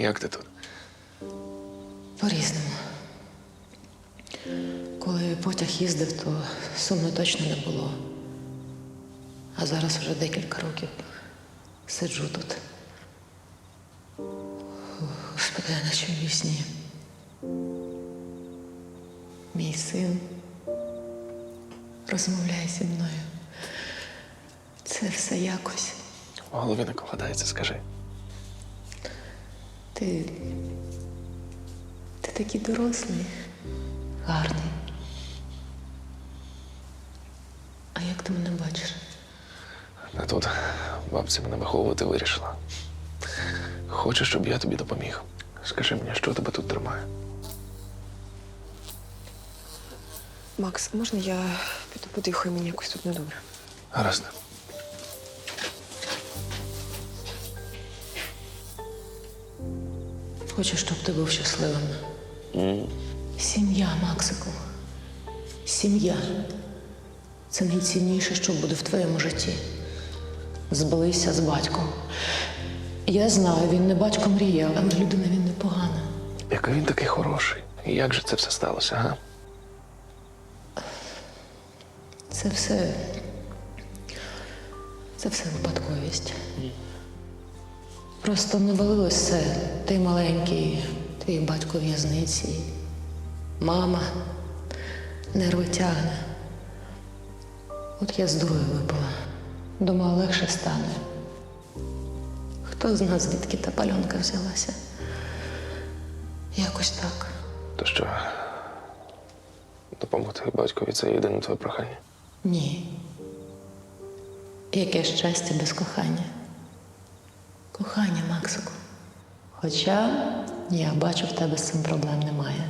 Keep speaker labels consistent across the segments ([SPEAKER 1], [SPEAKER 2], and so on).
[SPEAKER 1] Як ти тут?
[SPEAKER 2] По-різному. Коли потяг їздив, то сумно точно не було. А зараз вже декілька років сиджу тут. Господи, я наче в вісні. Мій син розмовляє зі мною. Це все якось.
[SPEAKER 1] В голові не кладається, скажи.
[SPEAKER 2] Ти такий дорослий, гарний. А як ти мене бачиш?
[SPEAKER 1] Не тут. Бабця мене виховувати вирішила. Хочеш, щоб я тобі допоміг? Скажи мені, що тебе тут тримає?
[SPEAKER 3] Макс, можна я піду подихаю? Мені якось тут недобре.
[SPEAKER 1] Гаразд.
[SPEAKER 2] Хочу, щоб ти був щасливим. Сім'я, Максику. Сім'я. Це найцінніше, що буде в твоєму житті. Збилися з батьком. Я знаю, він не батько мріяв, але людина він непогана.
[SPEAKER 1] Який він такий хороший. І як же це все сталося, га?
[SPEAKER 2] Це все випадковість. Просто навалилось все. Ти маленький, твій батько в в'язниці. Мама нерви тягне. От я з дурою випала. Думала, легше стане. Хто з нас, звідки та пальонка взялася? Якось так.
[SPEAKER 1] То що, допомогти батькові – це єдине твоє прохання?
[SPEAKER 2] Ні. Яке щастя без кохання. Кохання, Максику. Хоча я бачу, в тебе з цим проблем немає.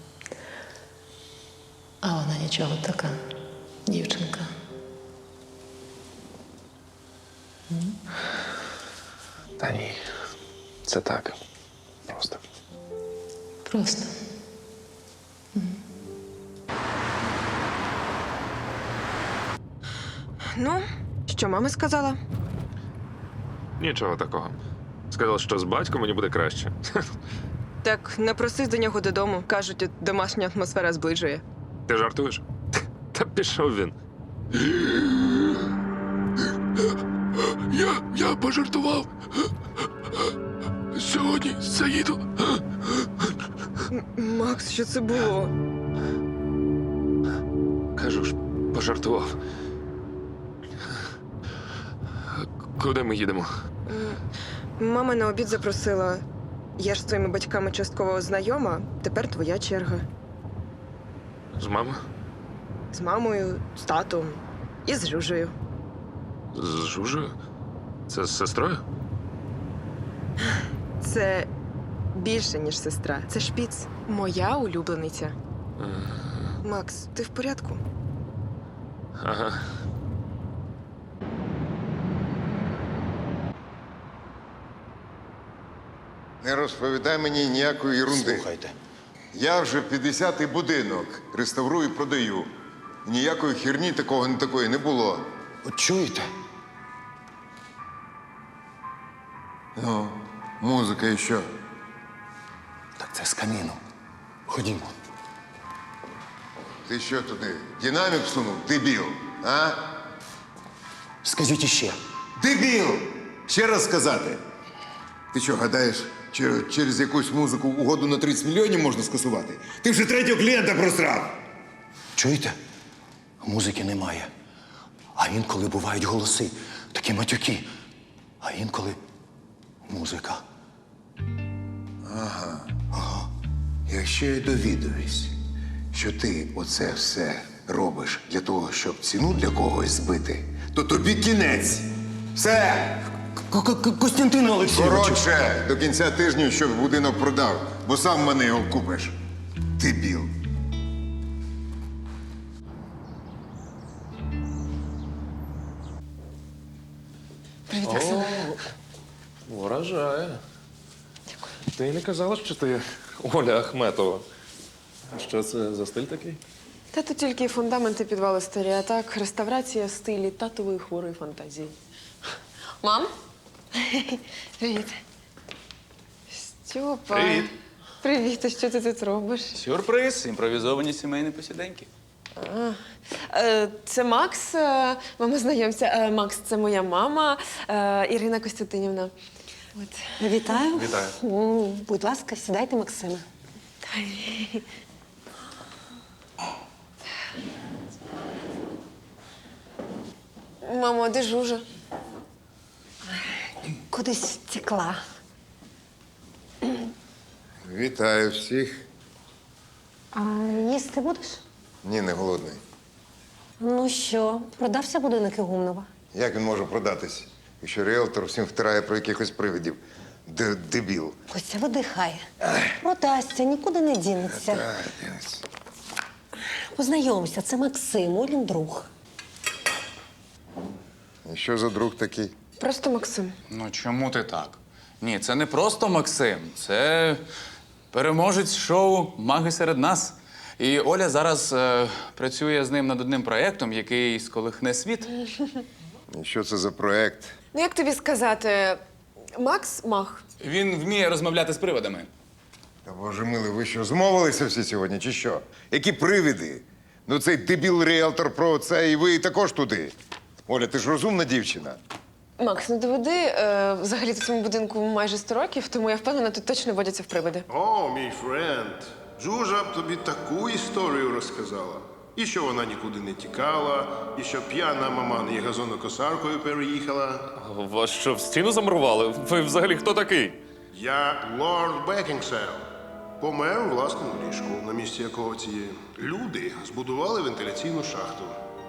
[SPEAKER 2] А вона нічого така, дівчинка.
[SPEAKER 1] Та ні. Це так. Просто.
[SPEAKER 2] Просто.
[SPEAKER 3] Ну, що мама сказала?
[SPEAKER 4] Нічого такого. Сказав, що з батьком мені буде краще.
[SPEAKER 3] Так, не просись до нього додому. Кажуть, домашня атмосфера зближує.
[SPEAKER 4] Ти жартуєш? Та пішов він.
[SPEAKER 1] Я пожартував. Сьогодні заїду.
[SPEAKER 3] Макс, що це було?
[SPEAKER 4] Кажу ж, пожартував. Куди ми їдемо?
[SPEAKER 3] Мама на обід запросила. Я ж з твоїми батьками частково знайома, тепер твоя черга.
[SPEAKER 4] З мамою?
[SPEAKER 3] З мамою, з татом і з Жужею.
[SPEAKER 4] З Жужею? Це з сестрою?
[SPEAKER 3] Це більше, ніж сестра. Це шпіц. Моя улюблениця. Макс, ти в порядку?
[SPEAKER 4] Ага.
[SPEAKER 5] Не розповідай мені ніякої ерунди.
[SPEAKER 6] Слухайте.
[SPEAKER 5] Я вже 50-й будинок реставрую і продаю. Ніякої херні такого не такої не було.
[SPEAKER 6] От чуєте?
[SPEAKER 5] Ну, музика і що?
[SPEAKER 6] Так це з каміну. Ходімо.
[SPEAKER 5] Ти що туди? Динамік всунув? Дебіл, а?
[SPEAKER 6] Скажіть іще.
[SPEAKER 5] Дебіл! Ще раз сказати. Ти що, гадаєш, через якусь музику угоду на 30 мільйонів можна скасувати? Ти вже третього клієнта просрав!
[SPEAKER 6] Чуєте? Музики немає. А інколи бувають голоси, такі матюки. А інколи музика.
[SPEAKER 5] Якщо я довідуюсь, що ти оце все робиш для того, щоб ціну для когось збити, то тобі кінець. Все!
[SPEAKER 6] Костянтин Олексійович!
[SPEAKER 5] Коротше, до кінця тижня, щоб будинок продав, бо сам мене його купиш. Дебіл.
[SPEAKER 3] Привіт, Оксана.
[SPEAKER 1] Вражає. Ти не казала, що ти Оля Ахметова. А що це за стиль такий?
[SPEAKER 3] Та тут тільки фундаменти підвали старі, а так реставрація в стилі татової хворої фантазії. Мам? Привіт. Стьопа.
[SPEAKER 7] Привіт.
[SPEAKER 3] Привіт, а що ти тут робиш?
[SPEAKER 7] Сюрприз, імпровізовані сімейні посіденьки.
[SPEAKER 3] Це Макс, мама, знайомся. Макс, це моя мама, Ірина Костянтинівна. От.
[SPEAKER 8] Вітаю.
[SPEAKER 7] Вітаю.
[SPEAKER 8] Будь ласка, сідайте, Максиме.
[SPEAKER 3] Мамо, а де Жужа?
[SPEAKER 8] Кудись втекла.
[SPEAKER 5] Вітаю всіх.
[SPEAKER 8] А їсти будеш?
[SPEAKER 5] Ні, не голодний.
[SPEAKER 8] Ну що, продався будинок Ігумнова?
[SPEAKER 5] Як він може продатись, якщо ріелтор всім втирає про якихось привидів? Дебіл.
[SPEAKER 8] Костя, видихай. Продасться, нікуди не дінеться. Познайомся, це Максим, Олін друг.
[SPEAKER 5] І що за друг такий?
[SPEAKER 3] Просто Максим.
[SPEAKER 7] Ну чому ти так? Ні, це не просто Максим, це переможець шоу Маги серед нас. І Оля зараз працює з ним над одним проєктом, який сколихне світ.
[SPEAKER 5] І що це за проект?
[SPEAKER 3] Ну, як тобі сказати, Макс маг.
[SPEAKER 7] Він вміє розмовляти з привидами.
[SPEAKER 5] Та боже милий, ви що, змовилися всі сьогодні, чи що? Які привиди? Ну цей дебіл ріелтор про це, і ви також туди. Оля, ти ж розумна дівчина.
[SPEAKER 3] Макс, не доведи. Взагалі-то цьому будинку майже 100 років, тому я впевнена, тут точно водяться в привиди.
[SPEAKER 9] О, мій френд. Жужа б тобі таку історію розказала. І що вона нікуди не тікала, і що п'яна мама не газонокосаркою переїхала.
[SPEAKER 1] Вас що, в стіну замурували? Ви взагалі хто такий?
[SPEAKER 9] Я лорд Бекінгсел. Помер у власному ліжку, на місці якого ці люди збудували вентиляційну шахту.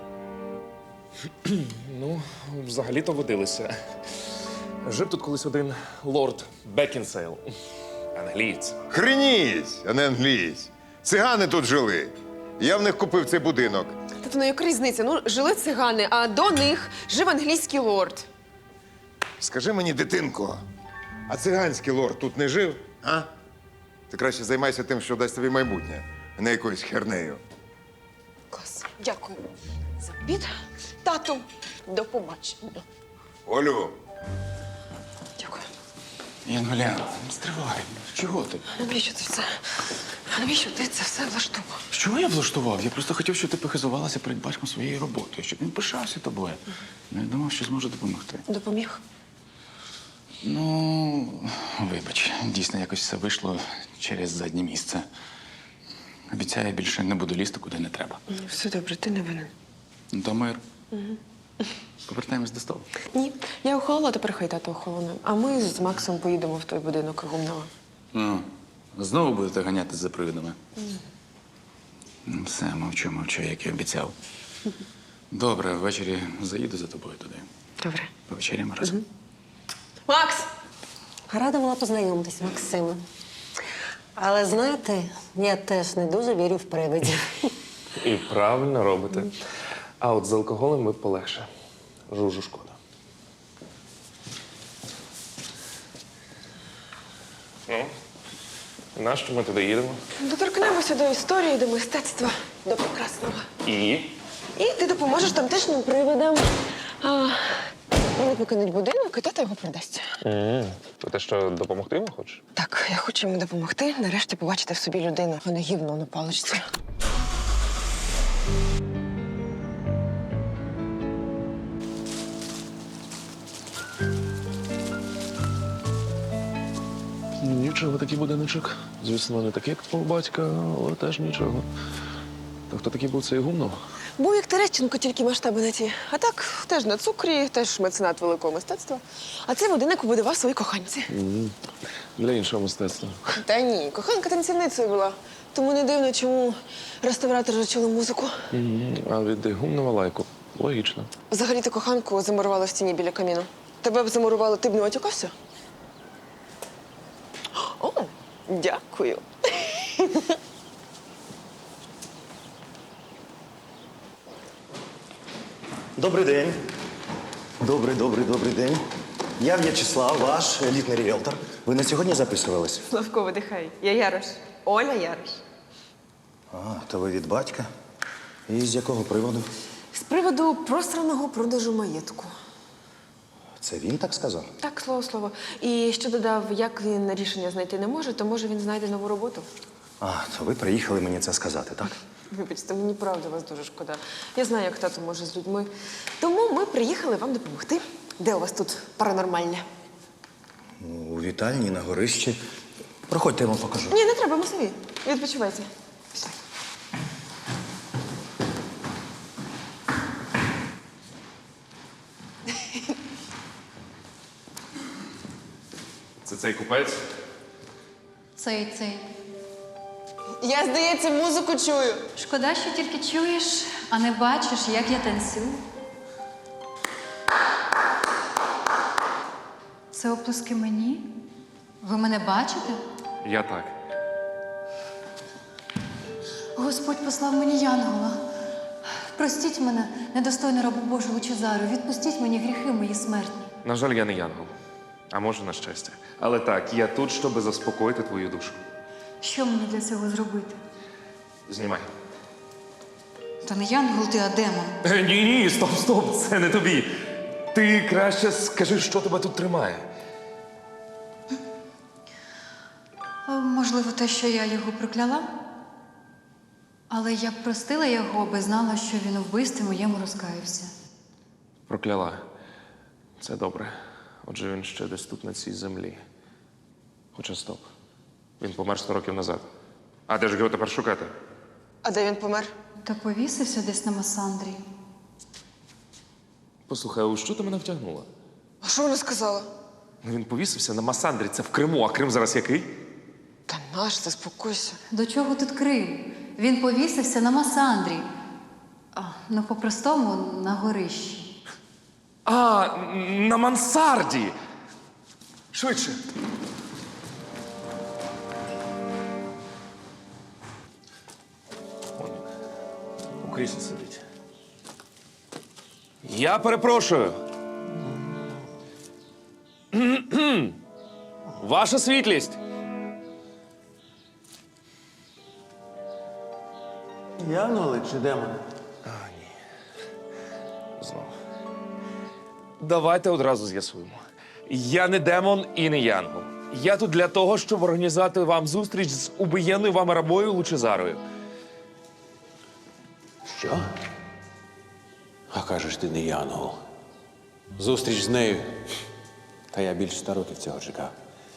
[SPEAKER 1] Ну, взагалі-то водилися. Жив тут колись один лорд Бекінсейл. Англієць.
[SPEAKER 5] Хреніть, а не англієць. Цигани тут жили. Я в них купив цей будинок.
[SPEAKER 3] Тобто, ну яка різниця? Ну, жили цигани, а до них жив англійський лорд.
[SPEAKER 5] Скажи мені, дитинко, а циганський лорд тут не жив? А? Ти краще займайся тим, що дасть тобі майбутнє, а не якоюсь хернею.
[SPEAKER 3] Клас. Дякую за обід. Тату, до побачення.
[SPEAKER 5] Олю,
[SPEAKER 3] Дякую.
[SPEAKER 7] Янголя, стривай. Чого ти?
[SPEAKER 3] Навіщо це все? Навіщо ти це все влаштував?
[SPEAKER 7] Що я влаштував? Я просто хотів, щоб ти похизувалася перед батьком своєю роботою, щоб він пишався тобою. Не думав, що зможу допомогти.
[SPEAKER 3] Допоміг?
[SPEAKER 7] Ну, вибач, дійсно якось все вийшло через заднє місце. Обіцяю, більше не буду лізти, куди не треба.
[SPEAKER 3] Все добре, ти не винен.
[SPEAKER 7] Ну, то мир. Повертаємось до столу.
[SPEAKER 3] Ні, я охолола, тепер хай тато охолоне. А ми з Максом поїдемо в той будинок Гумнова.
[SPEAKER 7] Ну, знову будете ганяти за привидами? Ну, все, мовчу, як і обіцяв. Добре, ввечері заїду за тобою туди.
[SPEAKER 3] Добре.
[SPEAKER 7] Повечеряємо разом.
[SPEAKER 3] Макс!
[SPEAKER 8] Рада була познайомитись, Максиме. Але знаєте, я теж не дуже вірю в привидів.
[SPEAKER 1] І правильно робите. А от з алкоголем ми полегше. Жужу шкода. Ну, нащо ми туди їдемо?
[SPEAKER 3] Доторкнемося до історії, до мистецтва, до прекрасного.
[SPEAKER 1] І?
[SPEAKER 3] І ти допоможеш тамтешнім привидам. Вони покинуть будинок, і тато його продасть.
[SPEAKER 1] То те, що допомогти йому хочеш?
[SPEAKER 3] Так, я хочу йому допомогти, нарешті побачити в собі людину, а не гівно на паличці.
[SPEAKER 1] Нічого, такий будиночок. Звісно, не такий, як твого батька, але теж нічого. То хто такий був цей Гумнов?
[SPEAKER 3] Був як Терещенко, тільки масштаби не ті. А так, теж на цукрі, теж меценат великого мистецтва. А цей будинок побудував свої коханці.
[SPEAKER 1] Для іншого мистецтва.
[SPEAKER 3] Та ні, коханка танцівницею була. Тому не дивно, чому реставратори чули музику.
[SPEAKER 1] А від Гумнова лайку. Логічно.
[SPEAKER 3] Взагалі-то коханку замурували в стіні біля каміну. Тебе б замурували, ти б не отікався? О, дякую.
[SPEAKER 10] Добрий день. Добрий день. Я В'ячеслав, ваш елітний ріелтор. Ви на сьогодні записувались?
[SPEAKER 3] Славко, видихай. Я Ярош. Оля Ярош.
[SPEAKER 10] А, то ви від батька. І з якого приводу?
[SPEAKER 3] З приводу просраного продажу маєтку.
[SPEAKER 10] Це він так сказав?
[SPEAKER 3] Так, слово. І ще додав, як він рішення знайти не може, то може він знайде нову роботу.
[SPEAKER 10] А, то ви приїхали мені це сказати, так?
[SPEAKER 3] Вибачте, мені правда вас дуже шкода. Я знаю, як тато може з людьми. Тому ми приїхали вам допомогти. Де у вас тут паранормальне?
[SPEAKER 10] У вітальні на горищі. Проходьте, я вам покажу.
[SPEAKER 3] Ні, не треба, ми самі. Відпочивайте. Пішли.
[SPEAKER 1] Це цей купець?
[SPEAKER 11] Цей.
[SPEAKER 3] Я, здається, музику чую.
[SPEAKER 11] Шкода, що тільки чуєш, а не бачиш, як я танцюю. Це оплески мені? Ви мене бачите?
[SPEAKER 1] Я так.
[SPEAKER 11] Господь послав мені янгола. Простіть мене, недостойну рабу Божу Лучезару. Відпустіть мені гріхи мої смертні.
[SPEAKER 1] На жаль, я не янгол. А може, на щастя. Але так, я тут, щоб заспокоїти твою душу.
[SPEAKER 11] Що мені для цього зробити?
[SPEAKER 1] Знімай.
[SPEAKER 11] Та не янгол ти, а демон.
[SPEAKER 1] Ні, стоп, це не тобі. Ти краще скажи, що тебе тут тримає.
[SPEAKER 11] Можливо, те, що я його прокляла. Але я б простила його, аби знала, що він у вбивстві моєму розкаявся.
[SPEAKER 1] Прокляла. Це добре. Отже, він ще десь тут, на цій землі. Хоча стоп. Він помер 100 років назад. А де ж його тепер шукати?
[SPEAKER 3] А де він помер?
[SPEAKER 11] Та повісився десь на Масандрі.
[SPEAKER 1] Послухай, а у що ти мене втягнула?
[SPEAKER 3] А що вона сказала?
[SPEAKER 1] Він повісився на Масандрі, це в Криму, а Крим зараз який?
[SPEAKER 3] Та наш, заспокойся.
[SPEAKER 11] До чого тут Крим? Він повісився на Масандрі. Ну, по-простому, на горищі.
[SPEAKER 1] А, на мансарді! Швидше. Он у кріслі сидить. Я перепрошую. Ваша світлість.
[SPEAKER 10] Янголи чи демони?
[SPEAKER 1] Знову. Давайте одразу з'ясуємо. Я не демон і не янгол. Я тут для того, щоб організувати вам зустріч з убиєнною вами рабою Лучезарою.
[SPEAKER 6] Що? А кажеш, ти не янгол. Зустріч з нею. Та я більше 100 років цього чекав.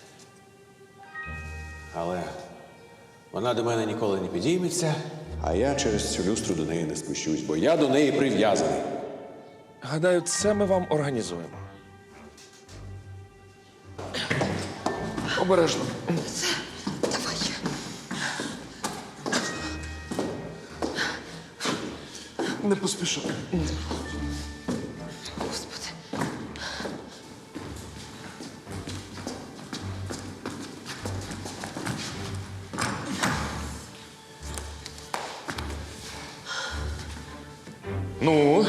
[SPEAKER 6] Але вона до мене ніколи не підійметься, а я через цю люстру до неї не спущусь, бо я до неї прив'язаний.
[SPEAKER 1] Гадаю, це ми вам організуємо. Обережно.
[SPEAKER 3] Давай.
[SPEAKER 1] Не поспішай.
[SPEAKER 3] Господи.
[SPEAKER 1] Ну,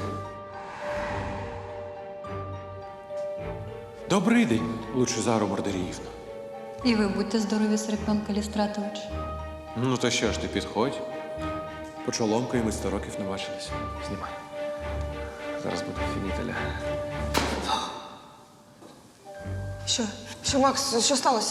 [SPEAKER 6] Добрий день, Лучезару Мордеріївна.
[SPEAKER 11] І ви будьте здорові, Серпіон Калістратович.
[SPEAKER 6] Ну то що ж ти підходь? Почоломкою ми 100 років не бачились.
[SPEAKER 1] знімай. Зараз буде фінітеля.
[SPEAKER 3] Що, Макс, що сталося?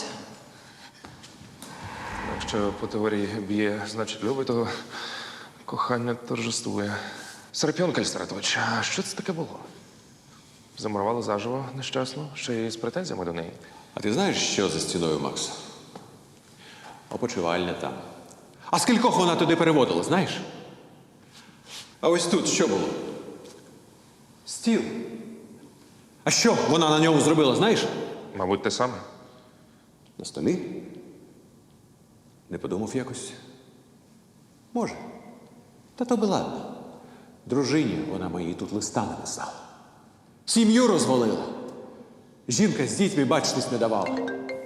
[SPEAKER 1] Якщо по теорії б'є, значить любить, то кохання торжествує. Серапіон Кальстратович, а що це таке було? Замурували заживо нещасно, ще й з претензіями до неї.
[SPEAKER 6] А ти знаєш, що за стіною, Макс? Опочивальня там. А скількох вона туди переводила, знаєш? А ось тут що було? Стіл. А що вона на ньому зробила, знаєш?
[SPEAKER 1] Мабуть, те саме.
[SPEAKER 6] На столі? Не подумав якось? Може. Та то би ладно. Дружині вона моїй тут листа написала. Сім'ю розвалила. Жінка з дітьми бачитись не давала.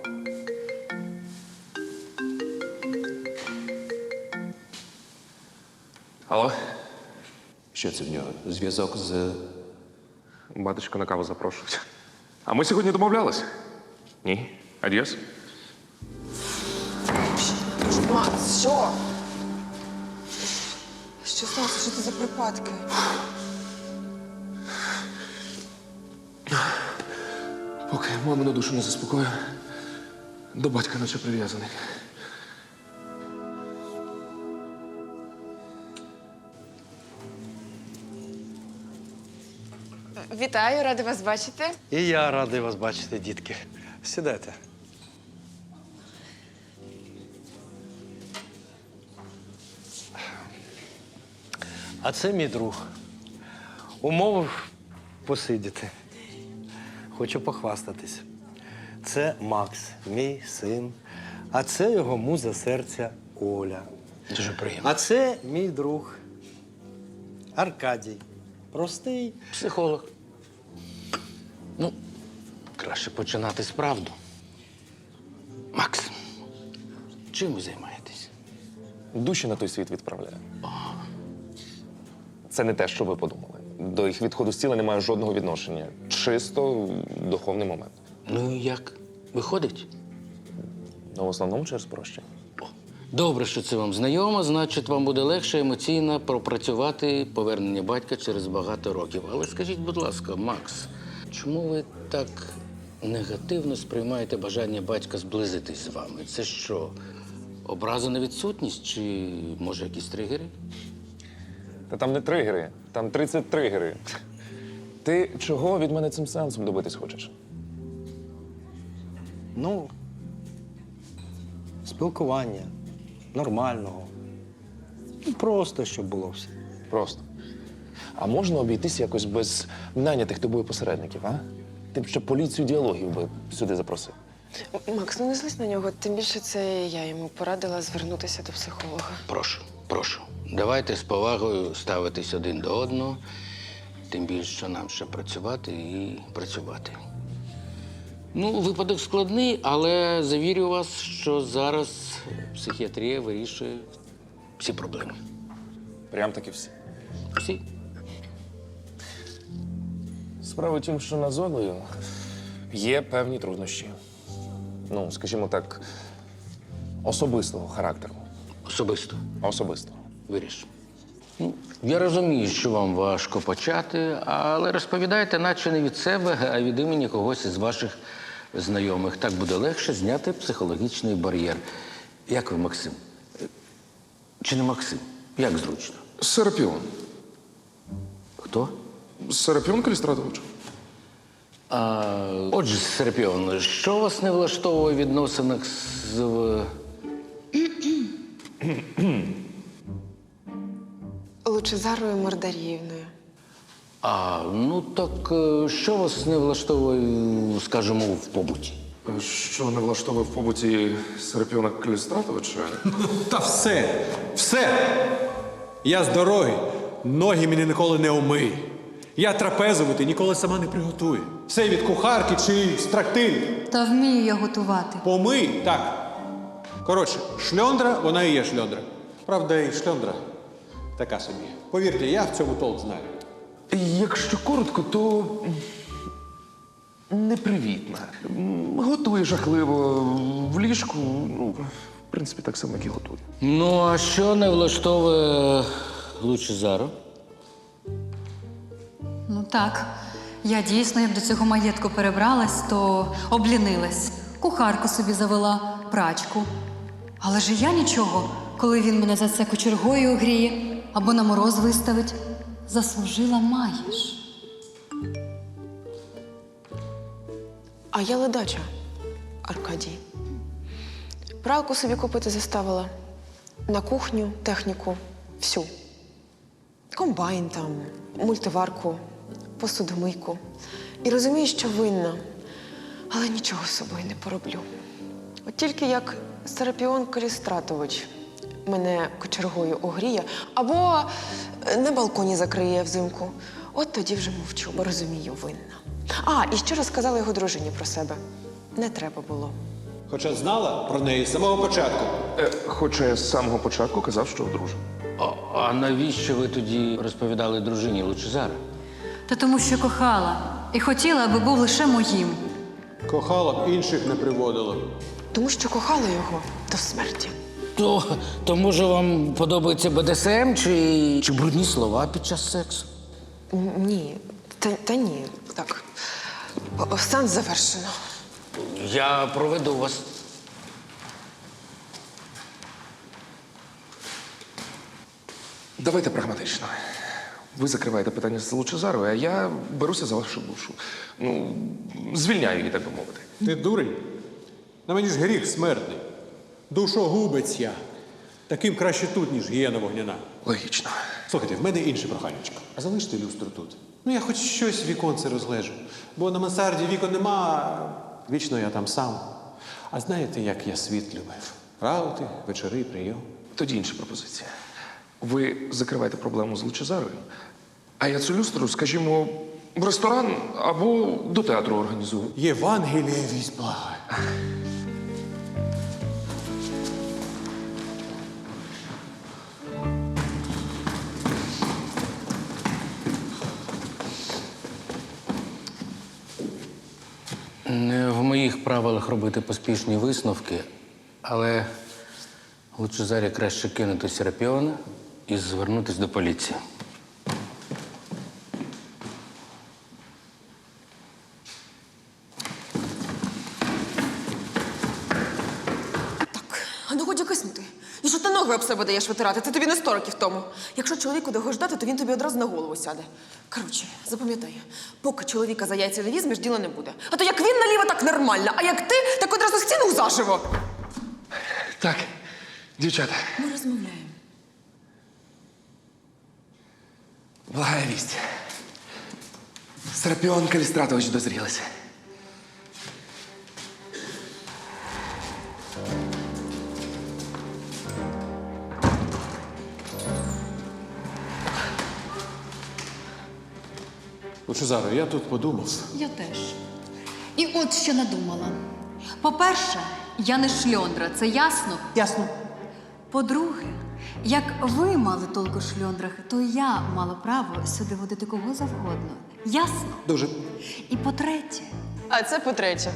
[SPEAKER 1] Алло?
[SPEAKER 6] Що це в нього? Зв'язок з...
[SPEAKER 1] Батечко на каву запрошують. А ми сьогодні домовлялись? Ні. Адіос?
[SPEAKER 3] Макс, що? Що сталося? Що це за припадки?
[SPEAKER 1] Поки мамину душу не заспокою, до батька наче прив'язаний.
[SPEAKER 3] Вітаю, рада вас бачити.
[SPEAKER 10] І я радий вас бачити, дітки. Сідайте. А це мій друг. Умовив посидіти. Хочу похвастатись. Це Макс, мій син. А це його муза серця Оля.
[SPEAKER 12] Дуже приємно.
[SPEAKER 10] А це мій друг Аркадій. Простий.
[SPEAKER 12] Психолог. Ну, краще починати з правду. Макс, чим ви займаєтесь?
[SPEAKER 1] Душі на той світ відправляю. Це не те, що ви подумали. До їх відходу з тіла немає жодного відношення. Чисто духовний момент.
[SPEAKER 12] Ну і як? Виходить?
[SPEAKER 1] Ну, в основному через прощення.
[SPEAKER 12] Добре, що це вам знайомо, значить, вам буде легше емоційно пропрацювати повернення батька через багато років. Але скажіть, будь ласка, Макс, чому ви так негативно сприймаєте бажання батька зблизитись з вами? Це що, образа на відсутність чи, може, якісь тригери?
[SPEAKER 1] Та там не тригери, там 30 тригери. Ти чого від мене цим сеансом добитись хочеш?
[SPEAKER 10] Ну, спілкування нормального. Ну, просто, щоб було все.
[SPEAKER 1] Просто. А можна обійтися якось без нанятих тобою посередників, а? Ти б ще поліцію діалогів би сюди запросив.
[SPEAKER 3] Макс, ну не злись на нього. Тим більше це я йому порадила звернутися до психолога.
[SPEAKER 12] Прошу, прошу. Давайте з повагою ставитись один до одного. Тим більше, що нам ще працювати і працювати. Ну, випадок складний, але завірю вас, що зараз психіатрія вирішує всі проблеми.
[SPEAKER 1] Прям таки всі.
[SPEAKER 12] Всі.
[SPEAKER 1] Справа в тім, що над Олею є певні труднощі. Ну, скажімо так, особистого характеру.
[SPEAKER 12] Особисто.
[SPEAKER 1] Особистого.
[SPEAKER 12] Виріш. Ну, я розумію, що вам важко почати, але розповідайте, наче не від себе, а від імені когось із ваших знайомих. Так буде легше зняти психологічний бар'єр. Як ви, Максим? Чи не Максим? Як зручно?
[SPEAKER 1] Серапіон.
[SPEAKER 12] Хто?
[SPEAKER 1] Серапіон Калістратович.
[SPEAKER 12] Отже, Серапіон, що вас не влаштовує в відносинах з...
[SPEAKER 3] Лучезарою Мордаріївною.
[SPEAKER 12] Ну так що вас не влаштовує, скажімо, в побуті?
[SPEAKER 1] Що не влаштовує в побуті Серапіона Калістратовича?
[SPEAKER 6] Та все! Все! Я з дороги. Ноги мені ніколи не умий. Я трапезувати ніколи сама не приготую. Все від кухарки чи з трактирів.
[SPEAKER 11] Та вмію я готувати.
[SPEAKER 6] Помий, так. Коротше, шльондра, вона і є шльондра. Правда, і шльондра така собі. Повірте, я в цьому толк знаю.
[SPEAKER 1] Якщо коротко, то непривітна. Готує жахливо в ліжку. Ну, в принципі, так само, як і готує.
[SPEAKER 12] Ну, а що не влаштовує Лучезаро?
[SPEAKER 11] Ну так, я дійсно, як до цього маєтку перебралась, то облінилась. Кухарку собі завела, прачку. Але ж і я нічого, коли він мене за це кочергою огріє або на мороз виставить. Заслужила маєш.
[SPEAKER 3] А я ледача, Аркадій. Пралку собі купити заставила. На кухню, техніку, всю. Комбайн там, мультиварку, посудомийку. І розумію, що винна, але нічого з собою не пороблю. От тільки як Серапіон Калістратович мене кочергою огріє або на балконі закриє взимку, от тоді вже мовчу, бо розумію, винна. І ще розказала його дружині про себе. Не треба було.
[SPEAKER 6] Хоча знала про неї з самого початку.
[SPEAKER 1] Хоча я з самого початку казав, що одружений.
[SPEAKER 12] А навіщо ви тоді розповідали дружині Лучезара?
[SPEAKER 11] Та тому, що кохала і хотіла, аби був лише моїм.
[SPEAKER 6] Кохала б, інших не приводила.
[SPEAKER 3] Тому що кохала його до смерті.
[SPEAKER 12] То може вам подобається БДСМ чи брудні слова під час сексу?
[SPEAKER 3] Ні, та ні. Так. Сеанс завершено.
[SPEAKER 12] Я проведу вас.
[SPEAKER 1] Давайте прагматично. Ви закриваєте питання з Лучезаровою, а я беруся за вашу душу. Ну, звільняю її, так би мовити.
[SPEAKER 6] Ти дурень? На мені ж гріх смертний. Душогубець я. Таким краще тут, ніж гієна вогняна.
[SPEAKER 1] Логічно.
[SPEAKER 6] Слухайте, в мене інше проханечко. А залиште люстру тут. Ну, я хоч щось віконце розглежу. Бо на мансарді вікон нема, вічно я там сам. А знаєте, як я світ любив? Раути, вечори, прийом.
[SPEAKER 1] Тоді інша пропозиція. Ви закриваєте проблему з Лучезарою, а я цю люстру, скажімо, в ресторан або до театру організую.
[SPEAKER 6] Євангеліє вість благає.
[SPEAKER 12] Не в моїх правилах робити поспішні висновки, але Лучезарі краще кинути Серапіона і звернутися до поліції.
[SPEAKER 3] А ну годі киснути. І що ти ноги об себе даєш витирати? Це тобі не 100 років тому. Якщо чоловіку довго ждати, то він тобі одразу на голову сяде. Коротше, запам'ятай, поки чоловіка за яйця не візьмеш, діла не буде. А то як він наліво, так нормально, а як ти, так одразу стіну заживо.
[SPEAKER 1] Так, дівчата,
[SPEAKER 3] Ми розмовляємо.
[SPEAKER 1] благая вість. Серапіон Калістратович дозрілися.
[SPEAKER 6] Лучезаро, я тут подумав.
[SPEAKER 11] Я теж. І от що надумала. По-перше, я не шльондра, це ясно?
[SPEAKER 6] Ясно.
[SPEAKER 11] По-друге, як ви мали толку в шльондрах, то я мала право сюди водити кого завгодно. Ясно?
[SPEAKER 6] Дуже.
[SPEAKER 11] І по-третє,
[SPEAKER 3] А це по-третє.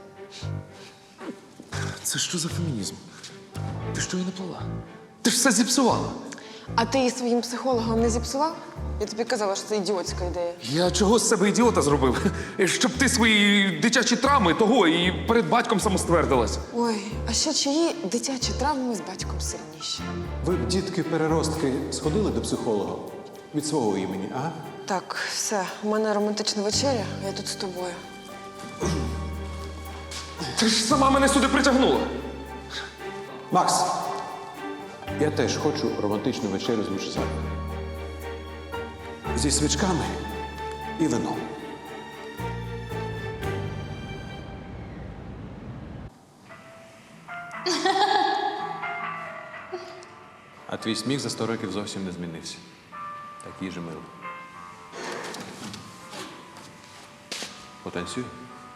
[SPEAKER 1] Це що за фемінізм? Ти що її не плела? Ти ж все зіпсувала.
[SPEAKER 3] А ти її своїм психологом не зіпсував? Я тобі казала, що це ідіотська ідея.
[SPEAKER 1] Я чого з себе ідіота зробив? Щоб ти свої дитячі травми того і перед батьком самоствердилась.
[SPEAKER 3] Ой, а ще чиї дитячі травми з батьком сильніші?
[SPEAKER 6] Ви б, дітки-переростки, сходили до психолога від свого імені, а?
[SPEAKER 3] Так, все, у мене романтична вечеря, я тут з тобою.
[SPEAKER 1] Ти ж сама мене сюди притягнула.
[SPEAKER 6] Макс, я теж хочу романтичну вечерю з Лучезаром. Зі свічками і вином. А твій сміх за 100 років зовсім не змінився. Такий же милий. Потанцюй.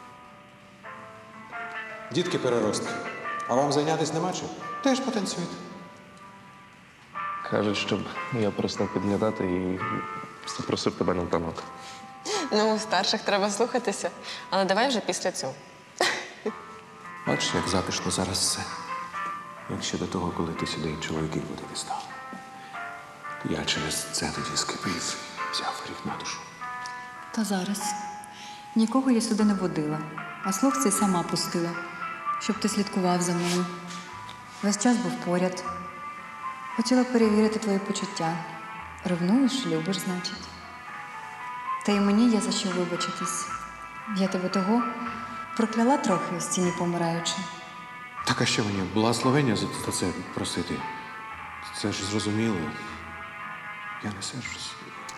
[SPEAKER 6] Дітки переростки. А вам зайнятися нема чим? Теж потанцюйте.
[SPEAKER 1] Кажуть, щоб я перестав підглядати і запросив тебе на танок.
[SPEAKER 3] Ну, у старших треба слухатися, але давай вже після цього.
[SPEAKER 6] Бачиш, як затишно зараз все. Як ще до того, коли ти сюди чоловіків водити став. Я через це тоді скипів, взяв гріх на душу.
[SPEAKER 11] та зараз. Нікого я сюди не водила, а слух цей сама пустила, щоб ти слідкував за мною. Весь час був поряд. Хотіла перевірити твої почуття. Ревнуєш, любиш, значить. Та й мені є за що вибачитись. Я тебе того прокляла трохи у стіні помираючи.
[SPEAKER 6] Так а що мені, благословення за це просити? Це ж зрозуміло. Я не сержусь.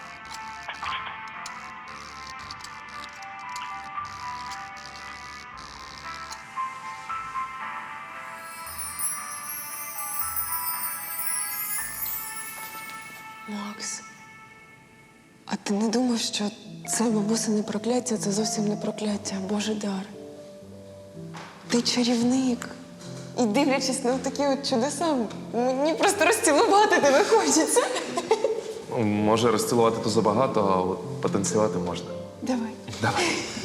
[SPEAKER 3] Макс, а ти не думав, що це бабусине прокляття, це зовсім не прокляття, а Божий дар. Ти чарівник. І дивлячись на такі от чудеса, мені просто розцілувати тебе хочеться.
[SPEAKER 1] Може, розцілувати то забагато, а от потанцювати можна.
[SPEAKER 3] Давай.
[SPEAKER 1] Давай.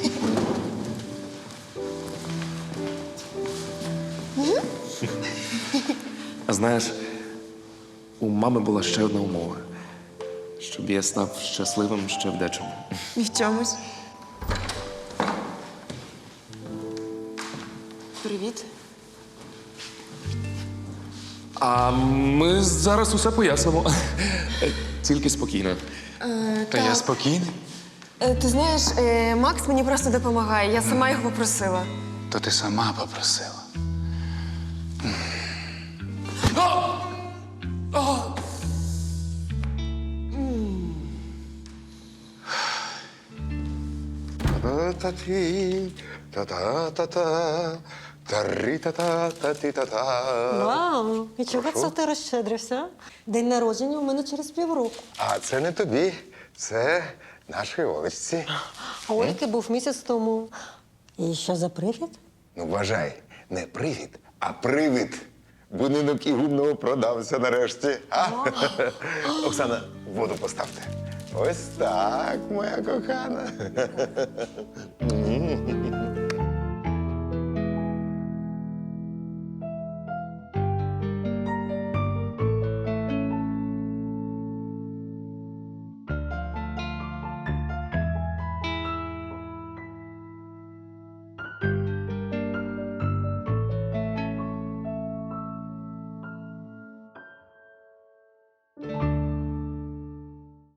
[SPEAKER 1] А знаєш, у мами була ще одна умова. Щоб я став щасливим ще в дечому.
[SPEAKER 3] І в чомусь. Привіт.
[SPEAKER 1] А ми зараз усе пояснимо. Тільки спокійно.
[SPEAKER 7] Та я спокійний.
[SPEAKER 3] Ти знаєш, Макс мені просто допомагає. Я сама його попросила.
[SPEAKER 7] То ти сама попросила.
[SPEAKER 5] Та-та-та-ті, та-та-та-та, тарі-та-та-та-ті-та-та.
[SPEAKER 8] Вау! І чого це ти розщедрився? День народження у мене через півроку.
[SPEAKER 5] А це не тобі, це нашій Олечці.
[SPEAKER 8] А Ольки був місяць тому. І що за привід?
[SPEAKER 5] Ну, вважай, не привід, а привид. Будинок Ігумного продався нарешті. А? Оксана, воду поставте. Ось так, моя кохана.